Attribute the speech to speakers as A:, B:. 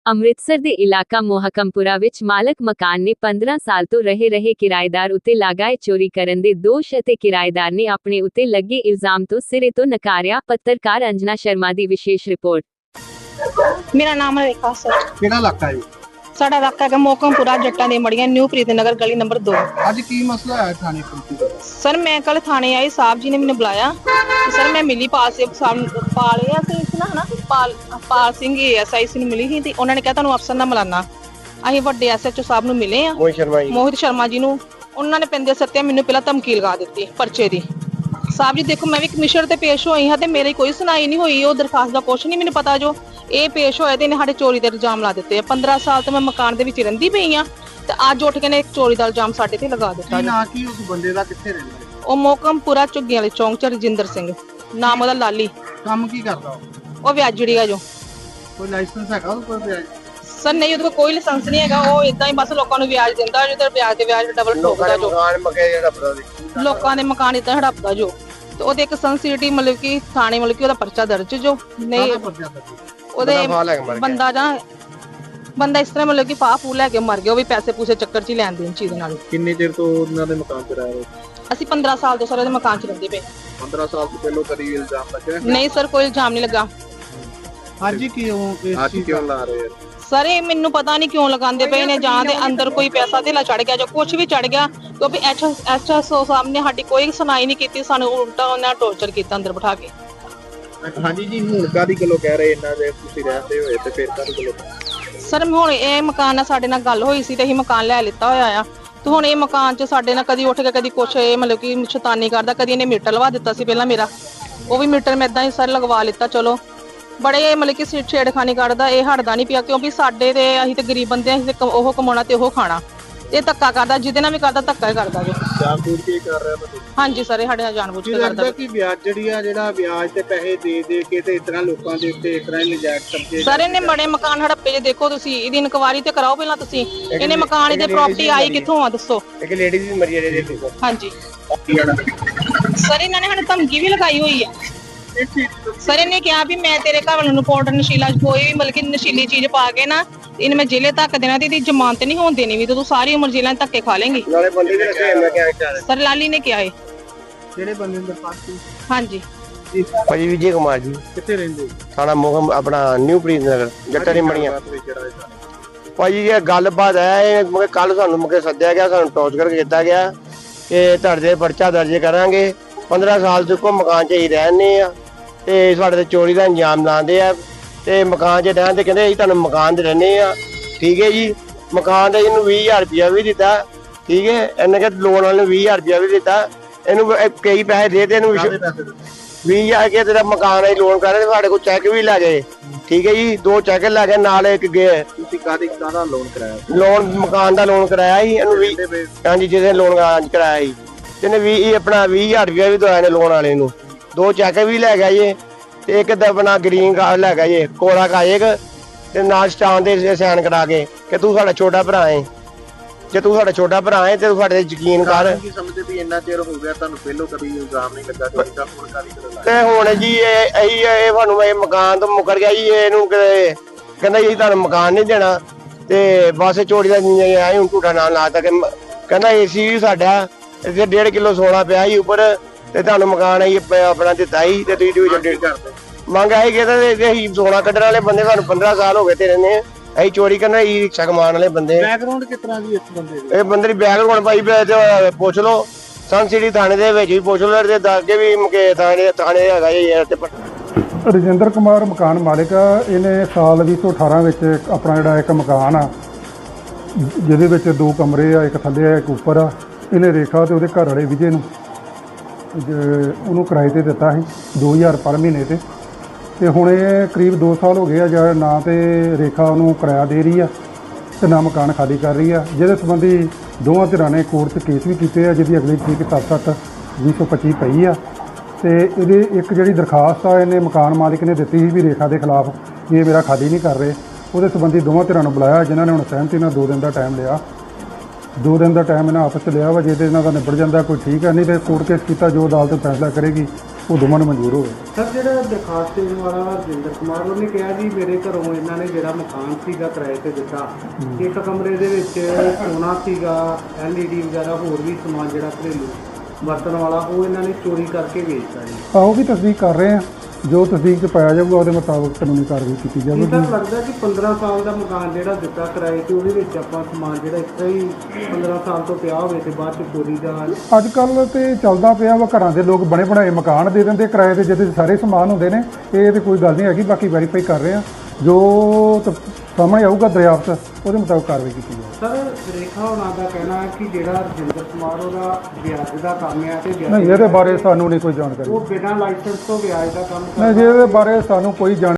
A: ਅੰਮ੍ਰਿਤਸਰ ਦੇ ਇਲਾਕਾ ਮੋਹਕਮਪੁਰਾ ਵਿੱਚ ਮਾਲਕ ਮਕਾਨ ਨੇ 15 ਸਾਲ ਤੋਂ ਰਹੇ ਕਿਰਾਏਦਾਰ ਉੱਤੇ ਲਗਾਏ ਚੋਰੀ ਕਰਨ ਦੇ ਦੋਸ਼ ਅਤੇ ਕਿਰਾਏਦਾਰ ਨੇ ਆਪਣੇ ਉੱਤੇ ਲੱਗੇ ਇਲਜ਼ਾਮ ਤੋਂ ਸਿਰੇ ਤੋਂ ਨਕਾਰਿਆ। ਪੱਤਰਕਾਰ ਅੰਜਨਾ ਸ਼ਰਮਾ ਦੀ ਵਿਸ਼ੇਸ਼ ਰਿਪੋर्ट।
B: मेरा नाम है रेखा सर।
C: ਕਿਹੜਾ ਇਲਾਕਾ ਹੈ?
B: साडा इलाका है मोहकमपुरा जट्टा दी मड़ियां न्यू प्रीतनगर गली नंबर 2।
C: ਅੱਜ ਕੀ ਮਸਲਾ ਹੈ ਥਾਣੇ ਪੁਲਿਸ ਦਾ?
B: सर मैं कल थाने आई, साहब जी ने मैंने बुलाया तो सर मैं मिली पाल से पाल पाल सिंह एएसआई से मिली थी ते उन्होंने कहा तुहानू अफसर नाल मिलाना। ਅਸੀਂ ਵੱਡੇ ਐਸਐਚਓ ਸਾਹਿਬ ਨੂੰ ਮਿਲੇ ਆ ਮੋਹਿਤ ਸ਼ਰਮਾ ਜੀ ਨੂੰ। ਉਹਨਾਂ ਨੇ ਪੈਂਦੇ ਸੱਤਿਆ ਮੈਨੂੰ ਪਹਿਲਾਂ ਧਮਕੀ ਲਗਾ ਦਿੱਤੀ ਪਰਚੇ ਦੀ। ਸਾਹਿਬ ਜੀ ਦੇਖੋ ਮੈਂ ਵੀ ਕਮਿਸ਼ਨਰ ਤੇ ਪੇਸ਼ ਹੋਈ ਹਾਂ ਤੇ ਮੇਰੀ ਕੋਈ ਸੁਣਾਈ ਨਹੀਂ ਹੋਈ। ਉਹ ਦਰਖਾਸਤ ਦਾ ਕੁਛ ਨਹੀਂ ਮੈਨੂੰ ਪਤਾ। ਜੋ ਇਹ ਪੇਸ਼ ਹੋਏ ਤੇ ਇਹਨੇ ਸਾਡੇ ਚੋਰੀ ਦੇ ਇਲਜ਼ਾਮ ਲਾ ਦਿੱਤੇ ਆ। 15 ਸਾਲ ਤੋਂ ਮੈਂ ਮਕਾਨ ਦੇ ਵਿੱਚ ਰਹਿੰਦੀ ਪਈ ਆ ਤੇ ਅੱਜ ਉੱਠ ਕੇ ਨੇ ਚੋਰੀ ਦਾ ਇਲਜ਼ਾਮ ਸਾਡੇ ਤੇ ਲਗਾ ਦਿੱਤਾ।
C: ਨਾ ਕੀ ਉਸ ਬੰਦੇ ਦਾ ਕਿੱਥੇ ਰਹਿੰਦਾ ਹੈ?
B: ਉਹ ਮੋਹਕਮਪੁਰਾ ਝੁੱਗੀਆਂ ਵਾਲੇ ਚੌਂਕ ਚ ਰਜਿੰਦਰ ਸਿੰਘ ਨਾਮ ਉਹਦਾ ਲਾਲੀ।
C: ਕੰਮ ਕੀ ਕਰਦਾ
B: ਉਹ ਵਿਆਜੜੀ ਆ। ਜੋ
C: ਕੋਈ ਲਾਇਸੈਂਸ ਹੈਗਾ ਉਹਦੇ ਕੋਲ? ਵਿਆਜ
B: ਸਰ ਨਹੀਂ, ਉਹਦੇ ਕੋਲ ਕੋਈ ਲਾਇਸੈਂਸ ਨਹੀਂ ਹੈਗਾ। ਉਹ ਇਦਾਂ ਹੀ ਬਸ ਲੋਕਾਂ ਨੂੰ ਵਿਆਜ ਦਿੰਦਾ ਜੋ ਤੇ ਵਿਆਜ ਤੇ ਵਿਆਜ ਡਬਲ ਠੋਕਦਾ। ਜੋ ਲੋਕਾਂ ਦੇ ਮਕਾਨ ਇਦਾਂ ਹੜਪਦਾ ਜੋ ਤੇ ਉਹਦੇ ਇੱਕ ਸੰਸਿਟੀ ਮਤਲਬ ਕਿ ਥਾਣੇ ਮਤਲਬ ਕਿ ਉਹਦਾ ਪਰਚਾ ਦਰਜ ਜੋ ਨਹੀਂ ਉਹਦੇ ਬੰਦਾ ਇਸ ਤਰ੍ਹਾਂ ਮਤਲਬ ਕਿ ਫਾਹ ਫੂ ਲੈ ਕੇ ਮਰ ਗਿਆ। ਉਹ ਵੀ ਪੈਸੇ ਪੂਸੇ ਚੱਕਰ 'ਚ ਹੀ ਲੈਣ ਦੇਣ ਚੀਜ਼ ਨਾਲ।
C: ਕਿੰਨੇ ਚਿਰ ਤੋਂ ਉਹਨਾਂ ਦੇ ਮਕਾਨ ਤੇ ਰਹਿ ਰਹੇ?
B: ਅਸੀਂ 15 ਸਾਲ ਤੋਂ ਸਰ ਉਹਦੇ ਮਕਾਨ 'ਚ ਰਹਿੰਦੇ ਪਏ।
C: 15 ਸਾਲ ਤੋਂ ਪਹਿਲਾਂ ਕਦੀ ਇਲਜ਼ਾਮ ਲੱਗਿਆ?
B: ਨਹੀਂ ਸਰ, ਕੋਈ ਇਲਜ਼ਾਮ ਨਹੀਂ ਲੱਗਾ।
C: ਅੱਜ ਕਿਉਂ ਲਾ ਰਹੇ?
B: ਸਰ ਇਹ ਮੈਨੂੰ ਪਤਾ ਨਹੀਂ ਕਿਉਂ ਲਗਾਉਂਦੇ ਪਏ ਨੇ। ਜਾਂ ਦੇ ਅੰਦਰ ਕੋਈ ਪੈਸਾ ਧੇਲਾ ਚੜ ਗਿਆ ਜਾਂ ਕੁਝ ਵੀ ਚੜ ਗਿਆ ਕਿਉਂਕਿ ਐਚਐਸਓ ਸਾਹਮਣੇ ਸਾਡੀ ਕੋਈ ਸੁਣਾਈ ਨਹੀਂ ਕੀਤੀ। ਸਾਨੂੰ ਉਲਟਾ ਉਹਨਾਂ ਟੌਰਚਰ ਕੀਤਾ ਅੰਦਰ ਬਿਠਾ ਕੇ।
C: ਹਾਂਜੀ ਜੀ, ਹੁਣ ਕਾਦੀ ਗੱਲੋਂ ਕਹਿ ਰਹੇ ਇਹਨਾਂ ਦੇ ਤੁਸੀਂ ਰਹਿੰਦੇ ਹੋਏ ਤੇ ਫਿਰ ਕਾਦੀ ਗੱਲੋਂ?
B: ਸਰ ਹੁਣ ਇਹ ਮਕਾਨ ਨਾਲ ਸਾਡੇ ਨਾਲ ਗੱਲ ਹੋਈ ਸੀ ਤੇ ਅਸੀਂ ਮਕਾਨ ਲੈ ਲਿੱਤਾ ਹੋਇਆ ਆ ਤੇ ਹੁਣ ਇਹ ਮਕਾਨ 'ਚ ਸਾਡੇ ਨਾਲ ਕਦੀ ਉੱਠ ਕੇ ਕਦੀ ਕੁਛ ਇਹ ਮਤਲਬ ਕਿ ਸ਼ੈਤਾਨੀ ਕਰਦਾ। ਕਦੀ ਇਹਨੇ ਮੀਟਰ ਲਵਾ ਦਿੱਤਾ ਸੀ ਪਹਿਲਾਂ ਮੇਰਾ, ਉਹ ਵੀ ਮੀਟਰ ਮੈਂ ਏਦਾਂ ਹੀ ਸਰ ਲਗਵਾ ਲਿੱਤਾ। ਚਲੋ ਬੜੇ ਮਤਲਬ ਕਿ ਛੇੜਖਾਨੀ ਕਰਦਾ। ਇਹ ਹਟਦਾ ਨਹੀਂ ਪਿਆ ਕਿਉਂਕਿ ਸਾਡੇ ਤੇ ਅਸੀਂ ਤੇ ਗਰੀਬ ਬੰਦੇ ਆ। ਅਸੀਂ ਤੇ ਉਹ ਕਮਾਉਣਾ ਤੇ ਉਹ ਖਾਣਾ। ਇਹ ਧੱਕਾ ਕਰਦਾ, ਜਿਹਦੇ ਨਾਲ ਵੀ ਕਰਦਾ ਧੱਕਾ ਹੀ ਕਰਦਾ ਜੋ।
C: ਜਾਣਬੁੱਝ ਕੇ ਕਰ ਰਿਹਾ ਤੁਹਾਨੂੰ?
B: ਹਾਂਜੀ ਸਰ, ਇਹ ਸਾਡੇ ਨਾਲ ਜਾਣਬੁੱਝ ਕੇ ਕਰਦਾ।
C: ਕਿ ਵਿਆਜ ਜਿਹੜਾ ਵਿਆਜ ਤੇ ਪੈਸੇ ਦੇ ਕੇ ਤੇ ਇਸ ਤਰ੍ਹਾਂ ਲੋਕਾਂ ਦੇ ਉੱਤੇ ਇਸ ਤਰ੍ਹਾਂ ਨਜਾਇਜ਼ ਕਬਜ਼ੇ।
B: ਸਰ ਇਹਨੇ ਬੜੇ ਮਕਾਨ ਹੜੱਪੇ ਜੇ ਦੇਖੋ ਤੁਸੀਂ। ਇਹਦੀ ਇਨਕੁਆਇਰੀ ਤੇ ਕਰਾਓ ਪਹਿਲਾਂ ਤੁਸੀਂ। ਇਹਨੇ ਮਕਾਨ ਇਹਦੇ ਪ੍ਰਾਪਰਟੀ ਆਈ ਕਿੱਥੋਂ ਆ ਦੱਸੋ?
C: ਇੱਕ ਲੇਡੀਜ਼ ਵੀ ਮਰੀ ਇਹਦੇ ਤੇ।
B: ਹਾਂਜੀ ਸਰ, ਇਹਨਾਂ ਨੇ ਸਾਨੂੰ ਧਮਕੀ ਵੀ ਲਗਾਈ ਹੋਈ ਆ। ਸਰ ਇਹਨੇ ਕਿਹਾ ਵੀ ਮੈਂ ਤੇਰੇ ਘਰ ਵਾਲੇ ਨੂੰ ਪਾਊਡਰ ਨਸ਼ੀਲਾ ਕੋਈ ਵੀ ਮਤਲਬ ਕਿ ਨਸ਼ੀਲੀ ਚੀਜ਼ ਪਾ ਕੇ ਨਾ ਇਹਨੇ ਮੈਂ ਜੇਲੇ ਤੱਕ ਦੇਣਾ ਤੇ ਇਹਦੀ ਜ਼ਮਾਨਤ ਨਹੀਂ ਹੋਣ ਦੇਣੀ ਵੀ ਤੇ ਤੂੰ ਸਾਰੀ ਉਮਰ ਜੇਲਾਂ 'ਚ ਧੱਕੇ ਖਾ ਲੇਂਗੀ। ਸਰ ਲਾਲੀ ਨੇ ਕਿਹਾ ਹੈ।
C: ਕਿਹੜੇ ਬੰਦੇ ਨੂੰ ਦਰਖਾਸਤ?
B: ਹਾਂਜੀ
D: ਭਾਜੀ ਵਿਜੇ ਕੁਮਾਰ ਜੀ।
C: ਕਿੱਥੇ ਰਹਿੰਦੇ?
D: ਥਾਣਾ ਮੋਹਕਮ ਆਪਣਾ ਨਿਊ ਪ੍ਰੀਤਨਗਰ ਜੱਟਾਂ ਦੀ ਮੜੀਆਂ। ਭਾਜੀ ਇਹ ਗੱਲਬਾਤ ਹੈ ਮਗੇ ਕੱਲ ਸਾਨੂੰ ਮਗੇ ਸੱਦਿਆ ਗਿਆ, ਸਾਨੂੰ ਟੌਰਚਰ ਕੀਤਾ ਗਿਆ ਕਿ ਤੁਹਾਡੇ ਤੇ ਪਰਚਾ ਦਰਜ ਕਰਾਂਗੇ। 15 ਸਾਲ ਤੋਂ ਕੋ ਮਕਾਨ 'ਚ ਹੀ ਰਹਿੰਦੇ ਆ ਤੇ ਸਾਡੇ ਤੇ ਚੋਰੀ ਦਾ ਇੰਜਾਮ ਲਾਉਂਦੇ ਆ ਤੇ ਮਕਾਨ 'ਚ ਰਹਿਣ ਤੇ ਕਹਿੰਦੇ ਅਸੀਂ ਤੁਹਾਨੂੰ ਮਕਾਨ ਤੇ ਰਹਿੰਦੇ ਆ। ਠੀਕ ਹੈ ਜੀ, ਮਕਾਨ ਦਾ ਇਹਨੂੰ 20,000 ਰੁਪਇਆ ਵੀ ਦਿੱਤਾ। ਠੀਕ ਹੈ, ਇਹਨੇ ਕਿ ਲੋਨ ਵਾਲੇ ਨੂੰ 20,000 ਰੁਪਇਆ ਵੀ ਦਿੱਤਾ। ਇਹਨੂੰ ਕਈ ਪੈਸੇ ਦੇ ਤੇ ਇਹਨੂੰ 20,000 ਕੇ ਤੇਰਾ ਮਕਾਨ ਅਸੀਂ ਲੋਨ ਕਰ ਰਹੇ। ਸਾਡੇ ਕੋਲ ਚੈੱਕ ਵੀ ਲੈ ਗਏ। ਠੀਕ ਹੈ ਜੀ, 2 ਚੈੱਕ ਲੈ ਗਏ ਨਾਲ ਇੱਕ ਗਏ।
C: ਤੁਸੀਂ ਕਾਹਦਾ ਲੋਨ ਕਰਾਇਆ?
D: ਲੋਨ ਮਕਾਨ ਦਾ ਲੋਨ ਕਰਾਇਆ ਸੀ ਇਹਨੂੰ 20। ਹਾਂਜੀ, ਜਿਹਦੇ ਲੋਨ ਕਰਾਇਆ ਸੀ ਇਹਨੇ 20 ਆਪਣਾ 20,000 ਰੁਪਇਆ ਵੀ ਦਵਾਇਆ ਨੇ ਲੋਨ ਵਾਲੇ ਨੂੰ। 2 ਚੈੱਕ ਵੀ ਲੈ ਗਿਆ ਜੀ ਤੇ ਇੱਕ ਤਾਂ ਆਪਣਾ ਗ੍ਰੀਨ ਕਾਰਡ ਲੈ ਗਿਆ ਜੀ, ਕੋਰਾ ਕਾਇਕ ਤੇ ਨਾਲ ਸਟਾਮ ਦੇ ਸਾਈਨ ਕਰਾ ਕੇ ਕਿ ਤੂੰ ਸਾਡਾ ਛੋਟਾ ਭਰਾ ਹੈ। ਜੇ ਤੂੰ ਸਾਡਾ ਛੋਟਾ ਭਰਾ ਹੈ ਤੇ ਤੂੰ ਸਾਡੇ ਤੇ ਯਕੀਨ ਕਰ।
C: ਕੀ ਸਮਝਦੇ ਵੀ ਇੰਨਾ ਚਿਰ ਹੋ ਗਿਆ ਤੁਹਾਨੂੰ ਪਹਿਲੋਂ ਕਦੀ ਇਲਜ਼ਾਮ ਨਹੀਂ ਲੱਗਾ ਚੋਰੀ ਦਾ? ਹੁਣ ਕਾਦੀ ਕਰੋ
D: ਤੇ ਹੁਣ ਜੀ ਇਹ ਤੁਹਾਨੂੰ ਇਹ ਮਕਾਨ ਤੋਂ ਮੁਕਰ ਗਿਆ ਜੀ। ਇਹਨੂੰ ਕਹਿੰਦਾ ਜੀ ਤੁਹਾਨੂੰ ਮਕਾਨ ਨਹੀਂ ਦੇਣਾ ਤੇ ਬਸ ਚੋਰੀ ਦਾ ਆਏ ਹੁਣ ਝੂਠਾ ਨਾਂ ਲਾਤਾ। ਕਹਿੰਦਾ ਏਸੀ ਵੀ ਸਾਡਾ ਇੱਥੇ 1.5 ਕਿਲੋ ਸੋਨਾ ਪਿਆ ਸੀ ਉੱਪਰ ਤੇ ਤੁਹਾਨੂੰ ਮਕਾਨ ਆਈ ਆਪਣਾ ਦਿੱਤਾ ਸੀ ਤੇ ਤੁਸੀਂ ਮੰਗ ਆਈ ਕਿ ਅਸੀਂ ਸੋਨਾ ਕੱਢਣ ਵਾਲੇ ਬੰਦੇ ਸਾਨੂੰ 15 ਸਾਲ ਹੋ ਗਏ ਤੇ ਰਹਿੰਦੇ ਆ। ਅਸੀਂ ਚੋਰੀ ਕਰਨਾ ਹੀ ਰਿਕਸ਼ਾ ਕਮਾਉਣ ਵਾਲੇ ਬੰਦੇ।
C: ਬੈਕਗ੍ਰਾਉਂਡ ਕਿਸ ਤਰ੍ਹਾਂ ਦੀ ਇਸ ਬੰਦੇ ਦੀ?
D: ਇਹ ਬੰਦੇ ਦੀ ਬੈਕਗ੍ਰਾਉਂਡ ਭਾਈ ਪੁੱਛ ਲਓ, ਸਨ ਸਿਟੀ ਥਾਣੇ ਦੇ ਵਿੱਚ ਵੀ ਪੁੱਛ ਲਓ ਤੇ ਦੱਸ ਕੇ ਵੀ ਮੁਕੇ ਥਾਣੇ ਹੈਗਾ ਜੀ।
E: ਰਜਿੰਦਰ ਕੁਮਾਰ ਮਕਾਨ ਮਾਲਿਕ ਆ। ਇਹਨੇ ਸਾਲ 2018 ਵਿੱਚ ਆਪਣਾ ਜਿਹੜਾ ਇੱਕ ਮਕਾਨ ਆ ਜਿਹਦੇ ਵਿੱਚ 2 ਕਮਰੇ ਆ, ਇੱਕ ਥੱਲੇ ਆ ਇੱਕ ਉੱਪਰ ਆ, ਇਹਨੇ ਰੇਖਾ ਤੇ ਉਹਦੇ ਘਰ ਵਾਲੇ ਵਿਜੇ ਨੂੰ ਉਹਨੂੰ ਕਿਰਾਏ ਤੇ ਦਿੱਤਾ ਸੀ 2,000 ਪਰ ਮਹੀਨੇ ਤੇ ਹੁਣ ਇਹ ਕਰੀਬ 2 ਸਾਲ ਹੋ ਗਏ ਆ ਜਿਹੜਾ ਨਾ ਤੇ ਰੇਖਾ ਉਹਨੂੰ ਕਿਰਾਇਆ ਦੇ ਰਹੀ ਆ ਤੇ ਨਾ ਮਕਾਨ ਖਾਲੀ ਕਰ ਰਹੀ ਆ। ਜਿਹਦੇ ਸੰਬੰਧੀ ਦੋਵਾਂ ਧਿਰਾਂ ਨੇ ਕੋਰਟ 'ਚ ਕੇਸ ਵੀ ਕੀਤੇ ਆ ਜਿਹਦੀ ਅਗਲੀ ਤਰੀਕ 7/7/2025 ਪਈ ਆ ਤੇ ਇਹਦੇ ਇੱਕ ਜਿਹੜੀ ਦਰਖਾਸਤ ਆ ਇਹਨੇ ਮਕਾਨ ਮਾਲਿਕ ਨੇ ਦਿੱਤੀ ਸੀ ਵੀ ਰੇਖਾ ਦੇ ਖਿਲਾਫ ਇਹ ਮੇਰਾ ਖਾਲੀ ਨਹੀਂ ਕਰ ਰਹੇ। ਉਹਦੇ ਸੰਬੰਧੀ ਦੋਵਾਂ ਧਿਰਾਂ ਨੂੰ ਬੁਲਾਇਆ ਜਿਨ੍ਹਾਂ ਨੇ ਹੁਣ ਸਹਿਮਤੀ ਨਾਲ 2 ਦਿਨ ਦਾ ਟਾਈਮ ਲਿਆ। 2 ਦਿਨ ਦਾ ਟਾਈਮ ਇਹਨਾਂ ਆਪਸ 'ਚ ਲਿਆ ਵਾ। ਜੇ ਤੇ ਇਹਨਾਂ ਦਾ ਨਿਬੜ ਜਾਂਦਾ ਕੋਈ ਠੀਕ ਹੈ, ਨਹੀਂ ਤੇ ਕੋਰਟ ਕੇਸ ਕੀਤਾ ਜੋ ਅਦਾਲਤ ਫੈਸਲਾ ਕਰੇਗੀ ਉਹ ਦੋਵਾਂ ਨੂੰ ਮਨਜ਼ੂਰ ਹੋਵੇ।
C: ਸਰ ਜਿਹੜਾ ਦਰਖਾਸਤ ਦੇਣ ਵਾਲਾ ਰਜਿੰਦਰ ਕੁਮਾਰ ਉਹਨੇ ਕਿਹਾ ਜੀ ਮੇਰੇ ਘਰੋਂ ਇਹਨਾਂ ਨੇ ਜਿਹੜਾ ਮਕਾਨ ਸੀਗਾ ਕਿਰਾਏ ਤੇ ਦਿੱਤਾ, ਇੱਕ ਕਮਰੇ ਦੇ ਵਿੱਚ ਸੋਨਾ ਸੀਗਾ, LED ਵਗੈਰਾ ਹੋਰ ਵੀ ਸਮਾਨ ਜਿਹੜਾ ਘਰੇਲੂ ਵਰਤਣ ਵਾਲਾ ਉਹ ਇਹਨਾਂ ਨੇ ਚੋਰੀ ਕਰਕੇ ਵੇਚਤਾ ਜੀ।
E: ਉਹ ਵੀ ਤਸਦੀਕ ਕਰ ਰਹੇ ਆ, ਜੋ ਤਸਦੀਕ 'ਚ ਪਾਇਆ ਜਾਊਗਾ ਉਹਦੇ ਮੁਤਾਬਕ ਕਾਨੂੰਨੀ ਕਾਰਵਾਈ ਕੀਤੀ
C: ਇਹ
E: ਜਾਵੇਗੀ।
C: ਤਾਂ ਲੱਗਦਾ ਕਿ 15 ਸਾਲ ਦਾ ਮਕਾਨ ਜਿਹੜਾ ਦਿੱਤਾ ਕਿਰਾਏ ਤੇ ਉਹਦੇ ਵਿੱਚ ਆਪਾਂ ਸਮਾਨ ਜਿਹੜਾ ਇਸ ਤਰ੍ਹਾਂ ਹੀ 15 ਸਾਲ ਤੋਂ ਪਿਆ ਹੋਵੇ ਤੇ ਬਾਅਦ ਚ ਚੋਰੀ ਦਾ
E: ਅੱਜ ਕੱਲ੍ਹ ਤੇ ਚੱਲਦਾ ਪਿਆ ਵਾ, ਘਰਾਂ ਦੇ ਲੋਕ ਬਣੇ ਬਣਾਏ ਮਕਾਨ ਦੇ ਦਿੰਦੇ ਕਿਰਾਏ ਤੇ, ਜਿਹਦੇ 'ਚ ਸਾਰੇ ਸਮਾਨ ਹੁੰਦੇ ਨੇ। ਇਹ ਤੇ ਕੋਈ ਗੱਲ ਨਹੀਂ ਹੈਗੀ, ਬਾਕੀ ਵੈਰੀਫਾਈ ਕਰ ਰਹੇ ਆ, ਜੋ ਸਾਹਮਣੇ ਆਊਗਾ ਦਰਿਆਫਤ ਉਹਦੇ ਮੁਤਾਬਕ ਕਾਰਵਾਈ ਕੀਤੀ ਜਾਊਗੀ।
C: ਸਰ ਰੇਖਾ ਹੋਣਾ ਦਾ ਕਹਿਣਾ ਹੈ ਕਿ ਜਿਹੜਾ ਰਜਿੰਦਰ ਕੁਮਾਰ ਉਹਦਾ ਵਿਆਜ ਦਾ ਕੰਮ ਹੈ ਤੇ
E: ਨਹੀਂ, ਇਹਦੇ ਬਾਰੇ ਸਾਨੂੰ ਨਹੀਂ ਕੋਈ ਜਾਣਕਾਰੀ।
C: ਉਹ ਬਿਨਾਂ ਲਾਇਸੈਂਸ ਤੋਂ ਵਿਆਜ ਦਾ ਕੰਮ
E: ਨਹੀਂ ਜੀ, ਇਹਦੇ ਬਾਰੇ ਸਾਨੂੰ ਕੋਈ ਜਾਣ